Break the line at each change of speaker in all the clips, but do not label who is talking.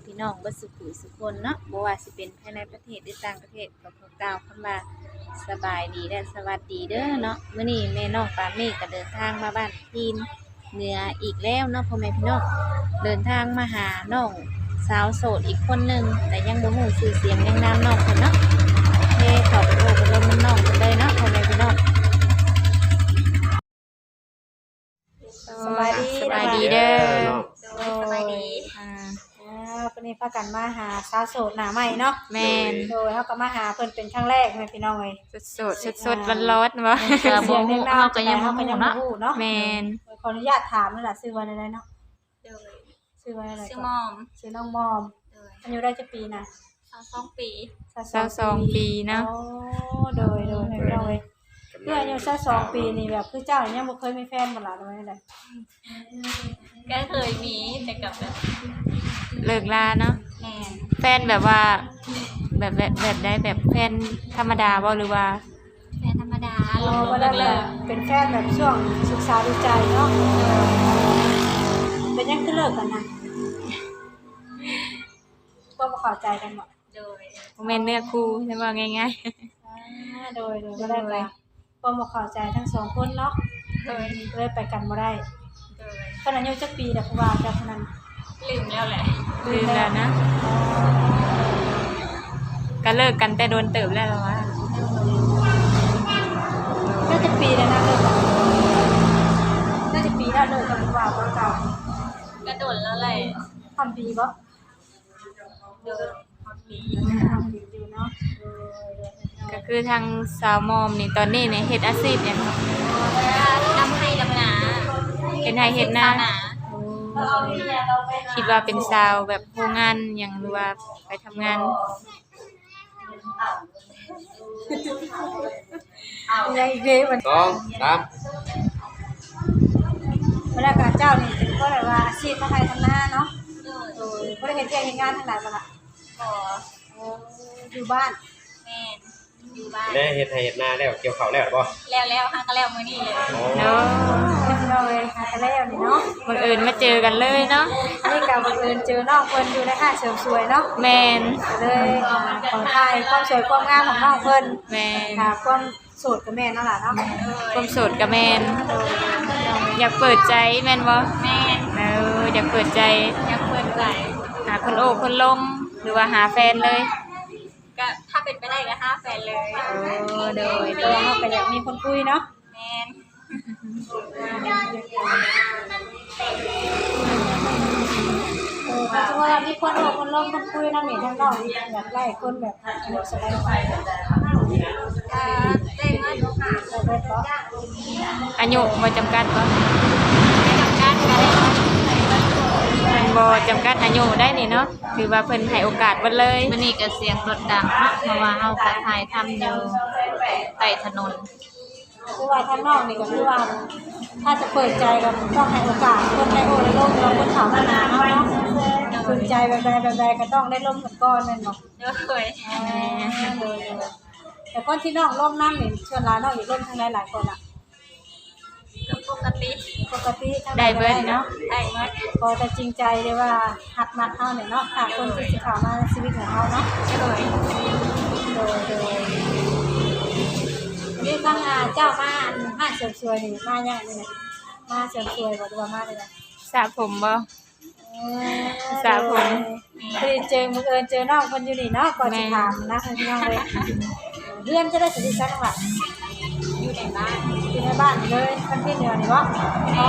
พี่น้องเบิดสุขุสุคนเนาะบ่ว่าสิเป็นภายในประเทศหรือต่างประเทศก็ขอกล่าวคำว่าสบายดีและสวัสดีเด้อเนาะมื้อนี้แม่น้องปาเมฆก็เดินทางมาบ้านพีนเหนืออีกแล้วเนาะพ่อแม่พี่น้องเดินทางมาหาน้องสาวโสดอีกคนหนึงแต่ยังบ่ฮู้ชื่อเสียงยังนามน้องเพิ่นเนาะโอเคขอบคุณกับลมน้องเพิ่นเลยเนาะพ่อแม่พี่น้องสบายดีเด้อ
สบายดีวันนี้พากันมาหาสาวโสดหน้าใหม่เนาะ
แม่น
โดยเฮาก็มาหาเพิ่นเป็นครั้งแรกแม่พี่น้องเอ้ย
สดร้อนๆบ่
ก็บ่ฮู้เฮาก็ยังบ่ฮู้เนาะ
แม่น
ขออนุญาตถามนั่นล่ะชื่อว่าอะไรเนาะ
โดย
ชื่อว่าอะไร
ชื่อมอม
ชื่อน้องมอม
โดย
อายุได้จักปีน่ะ
22ปี
22ปีเนาะ
โอ้โดยแม่พี่น้องเอ้ยคืออายุ22ปีนี่แบบคือเจ้ายังบ่เคยมีแฟนบ่ล่ะหรือว่าจังได๋
ก็เคยมีแต่กับแบบ
เลิกลาเนาะ
แม่น
แฟนแบบว่าแบบได้แบบแฟนธรรมดาบ่หรือว่า
แฟนธรรมดาลง
บ่ได้แบบเป็นแฟนแบบช่วงศึกษาดูใจเนาะเป็นยังคือเลิกกันนะบ่เข้าใจกันบ่
โดย
บ่แม่นเนื้อคู่ใช่บ่ง่าย
โดยบ่ได้ไปบ่เข้าใจทั้งสองคนเนาะ
โดย
เลยไปกันบ่ได้
โดย
ขนาดอายุจักปีแล้วผู้ว่าเจ้าคนนั้น
ลืมแล้วแหละ
ลืมแล้วนะก็เลิกกันแต่โดนเติบแล้วว่า
น่าจะปีแล้วนะเลิกกันน่าจะปีแล้วเลิกกันผู้ว่าเก่า
ก็โดนแล้วแหละ
ทำปีบ่
โดยปี
อยู่เนาะ
ก็คือทางสาวมอมนี่ตอนนี้เนี่ยเฮ็ดอาชีพหยังครับ
ดำให้ดำนา
เฮ็ดไร่เฮ็ดนาคิดว่าเป็นสาวแบบโรงงานหยังหรือว่าไปทำงาน
ยังอีกเด้มัน
2 3
เวลาการเจ้านี่เป็นก็แบบว่าอาชีพทางไทยทำนาเนาะบ่ได้เฮ็ดเวียกเฮ็ดงานทางใดบ่ล่ะ
บ่
อยู่บ้าน
แม่นอยู่บ้าน
แล้วเฮ็ดให้เฮ็ดนาแล้วเกี่ยวข้าวแล้วบ่
แล้วหาก็แล้วมื้อนี้เลย
เนาะ
เราเลยหากันแล้วนี่เนาะ
บังเอิญมาเจอกันเลยเนาะ
นี่ก็บังเอิญเจอน้องเพิ่นอยู่ในห้างเสริมสวยเนาะ
แม่น
เลยขอถ่ายความสวยความงามของน้องเพิ่น
แม่น
ค่ะความโสดกับแม่นเนาะล่ะเนาะ
ความโสดกับแม่นอยากเปิดใจแม่นบ่
แม่น
อยากเปิดใจ
อยากเปิดใจ
หาคนโอ้คนลมหรือว่าหาแฟนเลย
ก็ถ้าเป็นไปได้ก็หาแฟนเลย
โดยตัวเฮาก็อยากมีคนคุยเนาะ
แม่น
เพราะว่ามีคนโอ้คนลมคนคุยนำนี่ทางน้องอยากได้คนแบบสบายใจ
ได้เงิน
อายุบ่จำกัดบ่
ไม่จำกัดก็ได้
บ่จำกัดอายุได้นี่เนาะถือว่าเพิ่นให้โอกาสเบิดเลย
มื้อนี้ก็เสียงรถดังเนาะเพราะว่าเฮาก็ถ่ายทำอยู่ใต้ถนน
คือว่าทางน้องนี่ก็คือว่าถ้าจะเปิดใจก็ต้องให้โอกาสคนในโอ้ในโลกเราคนเขามาหาเฮาเนาะสนใจแบบใดก็ต้องได้ร่วมกันก่อนแม่นบ่แต่คนที่น้องร่วมนำนี่ชวนหลายน้องอีกร่วมทางหลายคนอ่ะ
ก็ปกติ
ได้เบิดเนาะ
ได้หมด
พอจะจริงใจได้ว่าหักมักเฮาเนี่ยเนาะหาคนที่สิเข้ามาในชีวิตของเฮาเนาะโดยนี่ทางเจ้ามาห้างเสริมสวยนี่มายังนี่นะมาเสริมสวยบ่หรือว่ามาได้ล่ะ
สระผมบ่สระผม
คือเจอบังเอิญเจอน้องเพิ่นอยู่นี่เนาะก่อนสิถามนะพี่น้องเลยเพื่อนจะได้สนิทกันว่า
อยู่ในบ้าน
เลยคนที่เหนือนี่บ่อ๋อ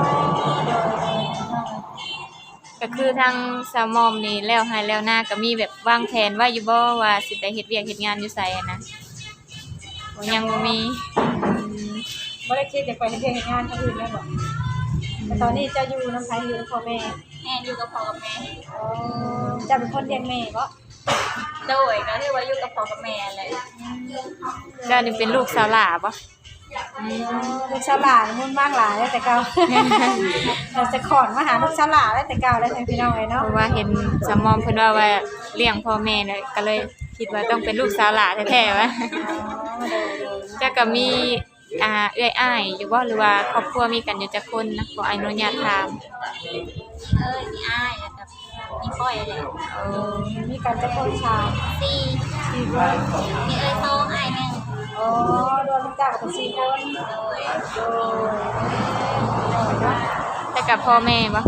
ก็คือทางสาวมอมนี่แล้วให้แล้วหน้าก็มีแบบวางแผนไว้อยู่บ่ว่าสิไปเฮ็ดเวียกเฮ็ดงานอยู่ไสอะนะยังบ่มี
บ่ได้คิดจะไปเฮ็ดเวียกเฮ็ดงานทางอื่นแม่บ่แต่ตอนนี้จะอยู่นำไผอยู่กับพ่อแม่
อยู่กับพ่อกับแม่
อ๋อจะเป็นคนเลี้ยงแม่บ่
โดยก็ที่ว่าอยู่กับพ่อกับแม่แหละ
ก็นี่เป็นลูกสาวหล่าบ่
ลูกสาวหล่ามุ่นบ้างหลายแต่เก่าเราจะขอนมาหาลูกสาวหล่าแต่เก่าแล้วพี่น้องเอ้ยเนาะ
เพราะว่าเห็นสาวมอมเพิ่นว่าเลี้ยงพ่อแม่เลยก็เลยคิดว่าต้องเป็นลูกสาวหล่าแท้ๆวะจะก็มีเอื้อยอ้ายอยู่บ่หรือว่าครอบครัวมีกันอยู่จักคนนะขออนุญาตถาม
มีอ้ายกับมีพ่อ
อยเลย
โอ้
มีการจะคนชาย
สี่
4 คน
มีเอ้ยโซ่ไอ้หนึ่ง
อ๋อรวมจ้ากับ4 คน
โดย
โดยเนาะ
แต่กับพ่อแม่บ่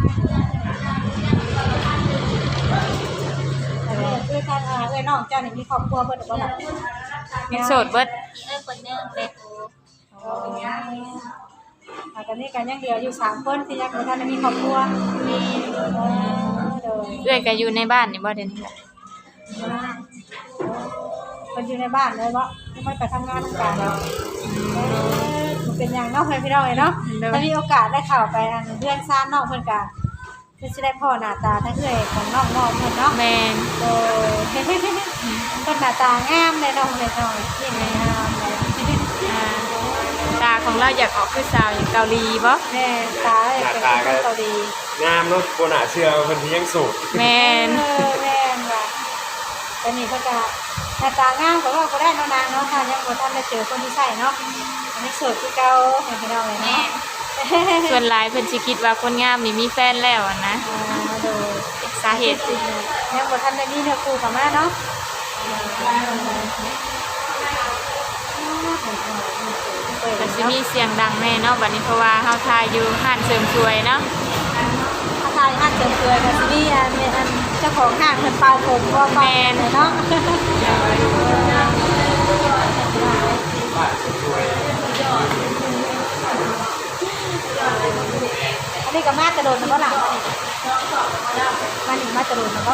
อันนี้คือทางเอ้ยน้องเจ้านี่มีครอบครัวเพิ่นหรือบ่ล่ะ
ยังโสดเบิด
มีเอ้ยคนหนึ่งเด็ก
อ๋อตอนนี้กันยังเหลืออยู่3 คนที่ยังบ่ทันได้มีครอบครัวโดย
เอื้อยก็อยู่ในบ้านนี่บ่เดี๋ยวนี้ล่ะ
คนอยู่ในบ้านเลยบ่ไม่ไปทำงานทำการแล้วมันเป็นอย่างเนอกพี่น้องเลยเนาะถ้ามีโอกาสได้เข้าไปอันเพื่อนซ่านนอกเพิ่นก็คือสิได้พ่อหน้าตาทั้งเอื้อยของน้องๆเพิ่นเนาะ
แม่น
โดยเพิ่นหน้าตางามเลยน้องเลยน้องที่งามเลย
อ่าตาของเราอยากออกคือสาวอย่างเกาหลีบ่
แม่ตาเลยเป็นคนเกาหลี
งามเนาะบ่น่าเชื่อว่าเพิ่นสิยังโสด
แม่น
แม่นว่ะแต่นี่เพิ่นก็หน้าตางามก็ว่าบ่ได้เนาะนางเนาะถ้ายังบ่ทันได้เจอคนที่ใช่เนาะอันนี้โสดคือเก่าให้พี่น้องเลย
แม่
เนาะ
ส่วนหลายเพิ่นสิคิดว่าคนงามนี่มีแฟนแล้วอะนะ
โดย
สาเหตุสิ
ยังบ่ทันได้มีเนื้อคู่เข้ามาเนาะ
มันสิมีเสียงดังแน่เนาะบัดนี้เพราะว่าเฮาถ่ายอยู่ห้านเสริมสวยเนาะ
ถ้าทายห้างเสริมสวยก็สิมีอันเจ้าของห้างเพิ่นเป่าผมบ่เป่าเลยเนาะอันนี้ก็มากระโดดนะบ่ล่ะมันนี่มากระโดดนะบ่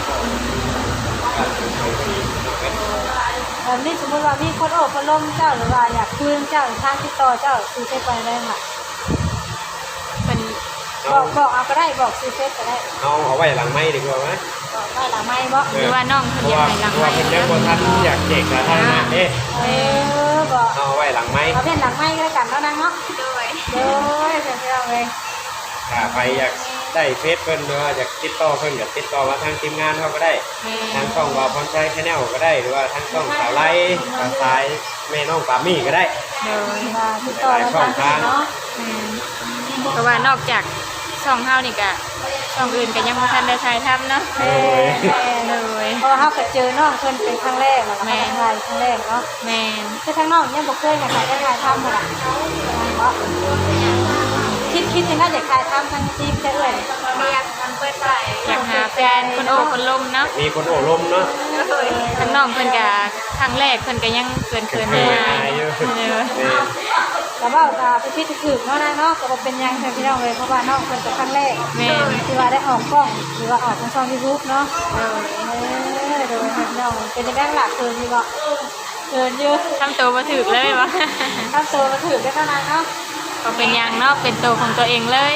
แบบนี้สมมุติว่ามีคนโอบคนล้มเจ้าหรือว่าอยากคุยเจ้าทางติดต่อเจ้าซื้อเฟซไปได้ค่ะ
เพิ่น
บอกเอาก็ได้บอกซื้อเฟซก็ได้
เอาไว้หลังไม้ดีกว่ามั้ย
บอกได้หลังไม้บ่
หรือว่าน้องเพิ่นอยากให้หลัง
เพราะ
ไม
ว่า
ค์
เพิ่นยังบ่ทันอยากเด็กสาธารณะเด้
บอก
เอาไว้หลังไม้
เอาเป็นหลังไม้ก็แล้วกันเนาะนางเนาะ
โดย
โดยเสร็จแล้วเลย
ถ้าใครอยากได้เฟซเพิ่นหรือว่าอยากติดต่อเพิ่นก็ติดต่อมาทางทีมงานเฮาก็ได้
แม่
ทางช่องวาวพรชัย Channel ก็ได้หรือว่าทางช่องสาวไล่สาวสายแม่น้องปามี่ก็ได้
โดย
มาติดต่อมาทางนี้เนาะ
เพราะว่านอกจากช่องเฮานี่ก็ช่องอื่นก็ยังบ่ทันได้ถ่ายทำเนาะ
แม่
เลย
เพราะว่าเฮาก็เจอน้องเพิ่นเป็นครั้งแรกแล้วก็มาถ่ายครั้งแรกเนาะ
แม่น
คือทางน้องยังบ่เคยให้ใครได้ถ่ายทำบ่ล่ะเนาะคิดยังไงอยากถ่ายทำทางทีมจะเอ่ย
เรียกมันเปิดใจ
อยากหาแฟนคนโอ้คนลมเนาะ
มีคนโอบรมเนาะ
ทั้งน้องเพิ่นก็ครั้งแรกเพิ่นก็ยังเกิน
เขิน
ๆ
ๆ
ได้
อายอยู่
เออ
แต่ว่าไปพิธีถือเนาะนางเนาะก็บ่เป็นหยังแต่พี่น้องเลยเพราะว่าน้องเพิ่นเป็นครั้งแรก
แม่น
ที่ว่าได้ออกกล้องหรือว่าออกทางช่อง YouTube เนาะ
เออ
โดยพี่น้องเป็นจังได๋ล่ะเกินอยู่บ่เกินอยู่
ทำตัวบ่ถูกเลยวะ
ทำตัวมาถือได้เท่านั้นเนาะ
ก็เป็นหยังเนาะเป็นตัวของตัวเองเลย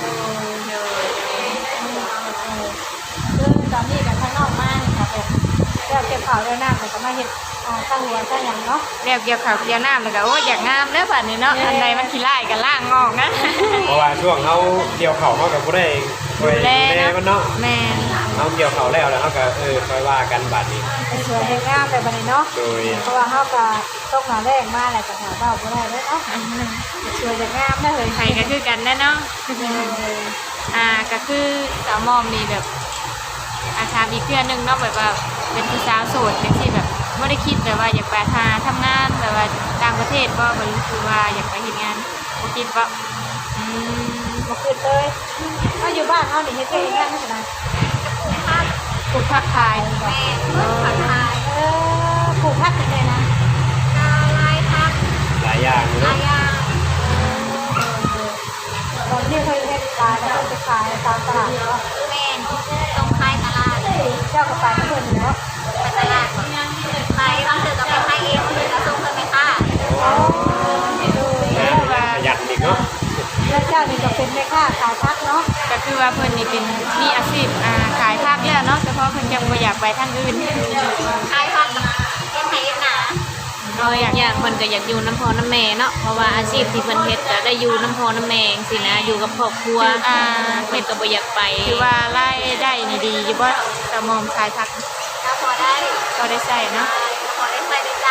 คือตอนนี้กับข้างนอกมากค่ะแบบแล้วเก็บข่าวด้วยน้ำมันก็มาเห็ดข้างหัวข้างหยังเนาะ
แล้วเกี่ยวข้าวเกี่ยวน้ำแล้วก็โอ้อยากงามเด้อบัดนี้เนาะอันใดมันขี้ร้ายก็ล้างงอกนะ
เพราะว่าช่วงเฮาเกี่ยวเข่าเฮาก็บ่ได้ช่วยดูแลมันเนาะ
แม่น
เฮาเกี่ยวเข่าแล้วเฮาก็ค่อยว่ากันบัดนี้
เป็นสวยเห็นงามแบบนี้เนาะ
โดย
เพราะว่าเฮาก็ต้องมาแรกมาแหละก็หาเบ้าบ่ได้เลยเนาะสวยอย่างงามนะเฮ้ย
ไผก็คือกันแน่เนาะก็คือสาวมอมนี่แบบอาชามอีกเพื่อนหนึงเนาะแบบว่าเป็นผู้สาวโสดจังซี่แบบบ่ได้คิดแบบว่าอยากไปทำงานแบบว่าต่างประเทศบ่บ่รู้คือว่าอยากไปเฮ็ดงานบ่คิดบ่อืม
บ่ขึ้นเลยถ้าอยู่บ้านเฮานี่เฮ็ดเองงานไม่เป็นไร
ปลูกผักขาย
แม่ผักไทย
ปลูกผักเป็นไงนะ
กาไล่พัก
หลายอย่างอยู่
อา
เนาะ
ยา
ตอนที่เคยเฮ็ดขายแล้วก็ไปขายตามตลาดเนาะ
แม่ตรงท้ายตลาด
เจ้าก็ไปกับเพิ่นเนาะ
ไปตลาดไปบางทีก็ไปให้เองบางทีก็ส่งเพิ่นไปค่ะ
ประหยัดอีกเนาะ
แล้วเจ้านี่ก็เป็นแม่ค้าขายผักเนาะ
ก็คือว่าเพิ่นนี่เป็นมีอาชีพขายผักแล้วเนาะเฉพาะเพิ่นยังบ่อยากไปทางอื่น
ขายผักเป็นไทยหนา
อยากเพิ่นก็อยากอยู่น้ำพอน้ำแม่เนาะเพราะว่าอาชีพที่เพิ่นเฮ็ดก็ได้อยู่น้ำพอน้ำแม่จังซี่นะอยู่กับครอบครัวเพิ่นก็บ่อยากไปคือว่ารายได้นี่ดีอยู่บ่สมอมขายผัก
แล้วพอได้
ก็ได้ใช้เนาะ
พอได้ใส่ได้ใจ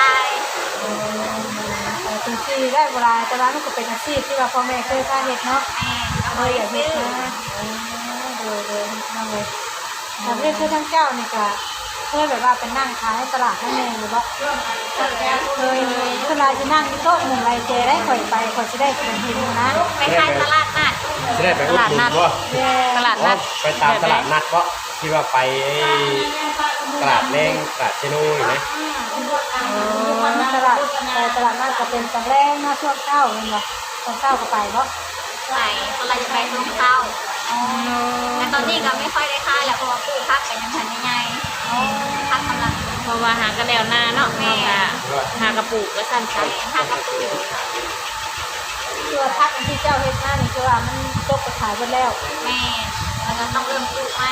ถึงที่ได้เวลาแต่ว่ามันก็เป็นอาชีพที่ว่าพ่อแม่เคยพาเฮ็ดเนาะ
แม่ก็
เล
บ่
ยอ
ได้
ยากเฮ็
ซื้
ด
อ
นะเลยทำเลยแต่เรื่องคือทั้งเจ้านี่ก็เคยแบบว่าเป็นนั่งขายในตลาดนั่นเองหรือว่าเคยเวลาจะนั่งที่โต๊ะหนึ่งไรเจได้ข่อยไปข่อยจะได้เป็นหินนะ
ไปขายตลาดนัด
จะได้ไปอุดหนุนบ่
ตลาดนัด
ไปตามตลาดนัดบ่ที่ว่าไปตลาดแรงตลาดเชโน่เห็นไหม
ตลาดตลาดนัดก็เป็นตอนแรกนะช่วงเช้าเองเหรอตอนเช้าก็ไปเนาะ
ไปตลาดจะไปตรงเข้าแต่ตอนนี้ก็ไม่ค่อยได้ขายแล้วเพราะว่าปลูกผักกันยังทันยังไงผักกำลัง
เพราะว่าหากระแนวหน้าเนาะเฮาก็หากระปุกแล้วสั่นซะ
ผักกระปุก
ตัวพักอันที่เจ้าเฮ็ดหน้านี่คือว่ามันตกไปขายหมดแล้ว
แม่แล้วก็ต้องเริ่มปลูกไหม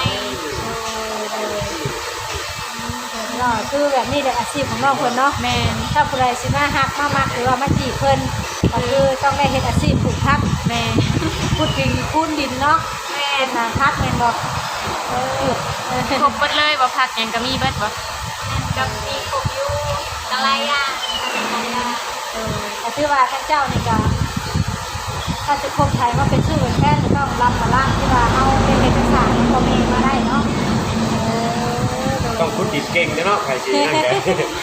คือแบบนี้แหละอาชีพของน้องเพิ่นเนาะ
แม่น
ถ้าผู้ใดสิมาฮักมามักหรือว่ามาจีบเพิ่นก็คือต้องได้เฮ็ดอาชีพปลูกผัก
แม่
พูดถึงคูนดินเนาะ
แม่
เป็นนาพักแม่นบ่
ครบเบิดเลยบ่ผักหยังก็มีเบิดบ่
ก็มีกบอยู่อะไรอ่ะ
แต่คือว่าท่านเจ้านี่ก็ถ้าจะคบไทยมาเป็นชื่อเป็นแฟนต้องรับมาล่างที่ว่าเฮาเป็นเอกสารของพ่อแม่มาได้เนาะ
ต้องคุดดินเก่งเนาะใครสินั่นแก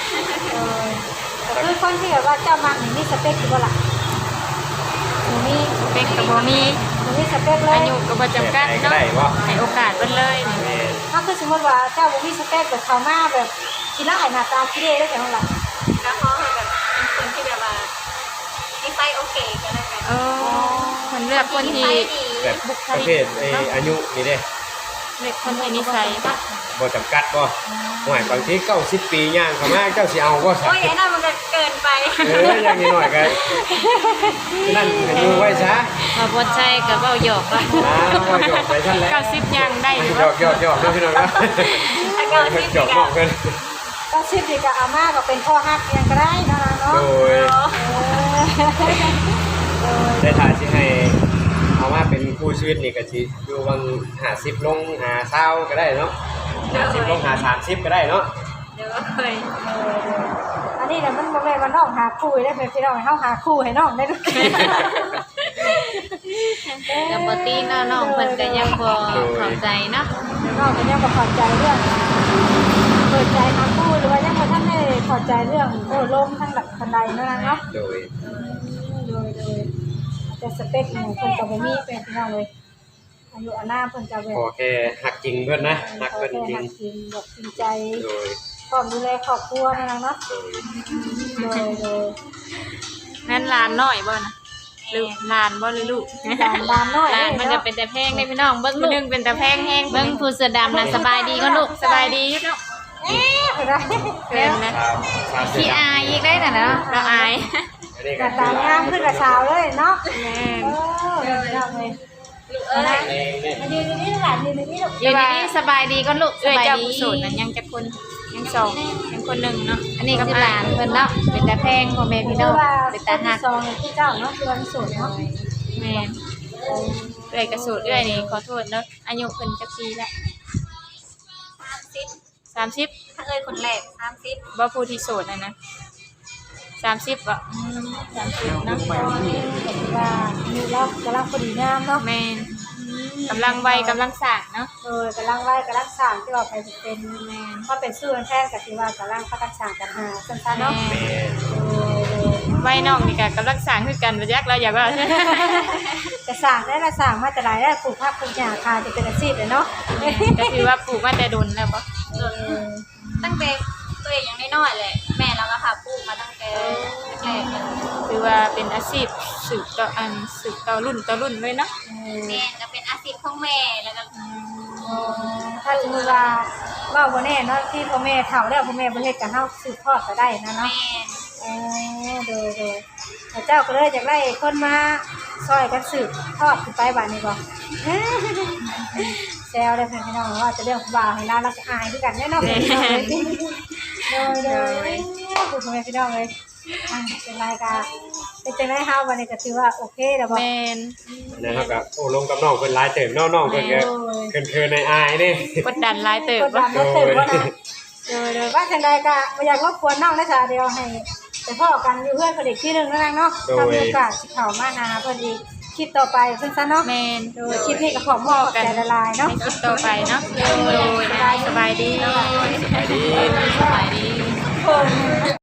คือคนที่แบบว่าเจ้ามักนี่มีสเปคอยู่บ่ล่ะมี
สเปคก็บ่มี
มีสเปคเลย
อายุก็บ่จำกัด
ก็
เนาะ
ได้บ่
ให้โอกาสเบิดเลยนี่
แม่
ถ้าคือสมมติว่าเจ้าบ่มีสเปคแบบเขามาแบบกีฬาหน้าตาขี้เล่ได้จังล่ะ
ก็เขาแบบเป็นคนที่แบบว่านิสัยโอเคกันเลยกัน
เออคนเลือกคนที่
แบบประเภทอายุนี่เด้
เลือกคนที่นิสัย
บ่จำกัดบ่หน่อยบางที90ปีย่างเข้ามาเจ้าสิเอาบ่ซะ
โอ้ยไอ้นั่นมันก็เกินไป
อย่างนี้หน่อยก็นั่นดูไว้ซะ
มาบ่ใจก็เว้าหยอกว่า
ก็หยอกไปซั่นแหละ
90ยังได้อยู่
หยอกหยอกเนาะพี่น้องเนาะ
ถ้าเกินที่
หยอกน้องเพิ่น
ก็ชิดดีกับอาม่าก็เป็นพ่อฮักยังก็ได้เนาะ
โดยได้ถ่ายสิให้เอามาเป็นคู่ชีวิตนี่ก็สิอยู่วัง50ลง50ก็ได้เนาะ50ลง30ก็ได้เนาะ
เดี๋ยวเคย
อันนี้เนี่ยมันบ่แม่นว่าน้องหาคู่ได้เป็นพี่น้องให้เฮาหาคู่ให้น้องได้ด้วย
ก็บ่ตีเนาะน้องเพิ่นก็ยังบ่เข้าใจเนาะ
น้องก็ยังบ่เข้าใจเรื่องเปิดใจหาคู่หรือว่ายังบ่ทันได้เข้าใจเรื่องลมทั้งหลักทันใดเนาะ
โดย
โดยแต่สเปคหนูเพิ่นก็บ่มีเป็นพี่น้องเลยอายุอานาเพิ่นก็แบบ
ขอแค่หักจริงเพิ่นนะหักเพิ่นจริง
จริงแบบจริงใจ
โดย
พร้อมดูแลครอบครัวนะเนาะ โดย
งั้นหลานน้อยบ่นะหรือหลานบ่หรือลูก
ดานน้อย
หลานมันก็เป็นแต่แพงได้พี่น้องเบิ่งผู้หนึงเป็นแต่แพงแฮง
เบิ่งผู้เสื้อดำน่ะสบายดีก็ลูก
สบายดีอยู่เนาะ
ได้
เป็นนะ
ขี้อายอีกได้น่ะเนาะ
เราอาย
กระตางามขึ้นกระสาวเลยเนาะ
แม่
เนาะเลยนะยืนนี่หลานยืนนี่ลูก
อยู่ดีๆสบายดีก็ลูกส
เอ้ย
บาย
เจ้า
ดี
ผู้โสดนั้นยังจะคนยังสองยังคนหนึ่งเนาะ
อันนี้ก็หลานเพิ่นเนาะเป็นตาแพงพ่อแม่พี่น้องเป็นตาหัก
ซองที่เจ้าเนาะคือวันสุดเนาะ
แม่เอ้ยกระโสดเอ้ยนี่ขอโทษเนาะอายุเพิ่นจักปีละ 30
ถ้าเอ้ยคนแรก30
บ่ผู้ที่โสดนะ30บ่30เนาะ
ว่ามีแล้วกำลังพอดีงามเนาะ
แม่นกำลังวัยกำลังสร้างเนาะ
กำลังไล่กำลังสร้างที่ว่าไปเป็นแม่ถ้าเป็นชื่อแท้กับที่ว่ากำลังพัฒนากันหาสั้นๆเนาะ
แม่วัยน้องนี่ก็กำลังสร้างคือกันบ่จักเราอยากว่า
จะสร้างได้ละสร้างมาแต่หลายได้ปลูกผักปลูกหญ้าคาจะเป็นอาชีพเลยเนาะ
ก็คือว่าปลูกมาแต่ดนแล้วบ่
ตั้งแต่ตัวเองยังน้อยๆเลยแม่เราก็พาปลูกมาตั้งแต่แรกเลย
คือว่าเป็นอาชีพสืบต่อรุ่นเลยเนาะ
แม่ก็เป็นอาชีพของแม่แล้วก็
ถ้าสมมติว่าวันนี้เนาะที่พ่อแม่เฒ่าแล้วพ่อแม่ประเทศกับเฮาสืบทอดก็ได้นะเนาะ
แม่
โดยเจ้าก็เลยอยากได้คนมาซอยกันสืบทอดขึ้นไปบ้านนี้บ่แซวได้เพื่อนพี่น้องว่าจะเรื่องบ่าวให้ร้านรักอายด้วยกันแน่นอนโดยคุณพ่อแม่พี่น้องเลยเป็นรายการเป็นจังได๋เฮาวันนี้ก็ถือว่าโอเคแล้วบ่
แม่น
นะครับกับโอ้ลงกับน้องเพิ่นหลายเติมน้องเพิ่นก็เคินในอายนี่
กดดันหลายเติบ
กดดั
บ่
นบ่เติบบ่นะโดยว่าจังได๋ก็บ่อยากรบกวนน้องได้จ้ะเดี๋ยวให้แต่พ่อกันอยู่เพื่อนคนเด็กที่หนึ่งนั่นเองเนาะถ้ามีโอกาสสิเข้ามานาเพิ่นอีกคลิปต่อไปเพิ่นซะเนาะ
แม่น
โดยคลิปนี้ก็ขอมอบใจละลายเนาะ
ในคลิปต่อไปเนาะโดยนะสบายดี
สบายดี
สบายดี